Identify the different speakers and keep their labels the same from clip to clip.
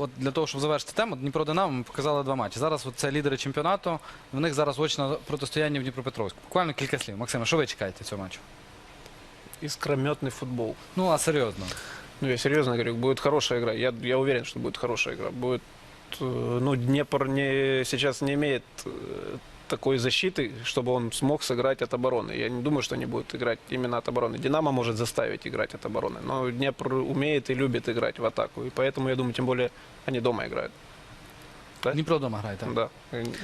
Speaker 1: от для того, щоб завершити тему, Дніпро-Динамо ми показали 2 матчі. Зараз от це лідери чемпіонату, в них зараз очне протистояння в Дніпропетровську. Буквально кілька слів. Максиме, що ви чекаєте цього матчу?
Speaker 2: Искрометный футбол.
Speaker 1: Ну, а серйозно.
Speaker 2: Ну, я серьезно говорю, будет хорошая игра. Я уверен, что будет хорошая игра. Будет, ну, Днепр сейчас не имеет такой защиты, чтобы он смог сыграть от обороны. Я не думаю, что они будут играть именно от обороны. Динамо может заставить играть от обороны, но Днепр умеет и любит играть в атаку. И поэтому, я думаю, тем более они дома играют. Да?
Speaker 1: Дніпро вдома грає, так?
Speaker 2: Да.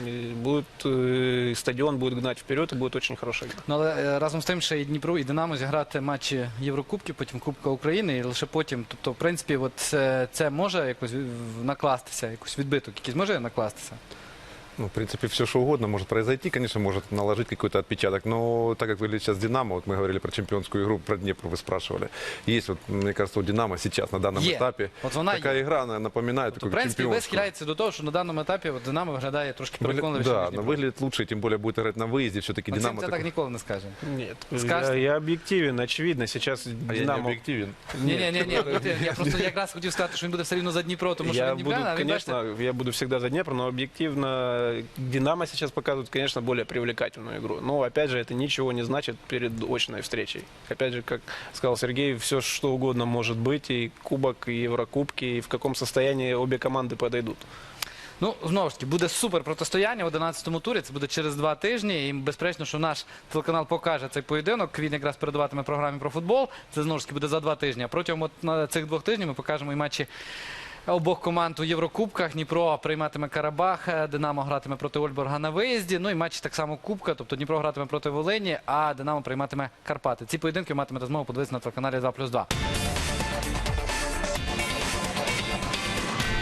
Speaker 2: Стадион будет гнать вперед, и будет очень хорошая игра.
Speaker 1: Ну, але разом з тим, ще і Дніпро, і Динамо зіграти матчі Єврокубків, потім Кубка України, і лише потім, тобто, в принципі, от це може якось накластися, якийсь відбиток, якийсь може накластися?
Speaker 3: Ну, в принципе, все что угодно может произойти, конечно, может наложить какой-то отпечаток, но так как выглядит сейчас «Динамо», вот мы говорили про чемпионскую игру, про Днепр вы спрашивали, есть, вот, мне кажется, у «Динамо» сейчас на данном этапе
Speaker 1: вот вона
Speaker 3: такая игра, она напоминает
Speaker 1: Тобто, в
Speaker 3: такую
Speaker 1: принципі, ви
Speaker 3: чемпионскую.
Speaker 1: схиляєтеся до того, що на даному етапі от Динамо виглядає трошки переконливіше,
Speaker 3: Да,
Speaker 1: ніж
Speaker 3: но
Speaker 1: Дніпро.
Speaker 3: выглядит лучше, тем более будет играть на выезде, все-таки
Speaker 1: Максим
Speaker 3: «Динамо».
Speaker 1: це так ніколи не скаже.
Speaker 2: Нет,
Speaker 1: Скажете?
Speaker 2: я объективен, очевидно. Сейчас
Speaker 3: А я не
Speaker 2: Динамо...
Speaker 3: объективен.
Speaker 1: Ні, я просто якраз хотів сказати, що він буде все рівно за Дніпро, тому що
Speaker 2: Я
Speaker 1: він
Speaker 2: буду,
Speaker 1: Дніпрян, а він, бачите,
Speaker 2: конечно, я буду всегда за Днепр, но объективно Динамо сейчас показывает, конечно, более привлекательную игру. Но, опять же, это ничего не значит перед очной встречей. Опять же, как сказал Сергей, все что угодно может быть, и Кубок, и Еврокубки, и в каком состоянии обе команды подойдут.
Speaker 1: ну, знову ж таки, буде супер протистояння в 11-му турі, це буде через 2 тижні, і безперечно, що наш телеканал покаже цей поєдинок, він якраз передаватиме програмі про футбол, це знову ж таки буде за 2 тижні, а протягом от, цих 2 тижнів ми покажемо і матчі обох команд у Єврокубках. Дніпро прийматиме Карабах, Динамо гратиме проти Ольборга на виїзді. Ну і матчі так само Кубка, тобто Дніпро гратиме проти Волині, а Динамо прийматиме Карпати. Ці поєдинки матимете змогу подивитися на телеканалі 2+2.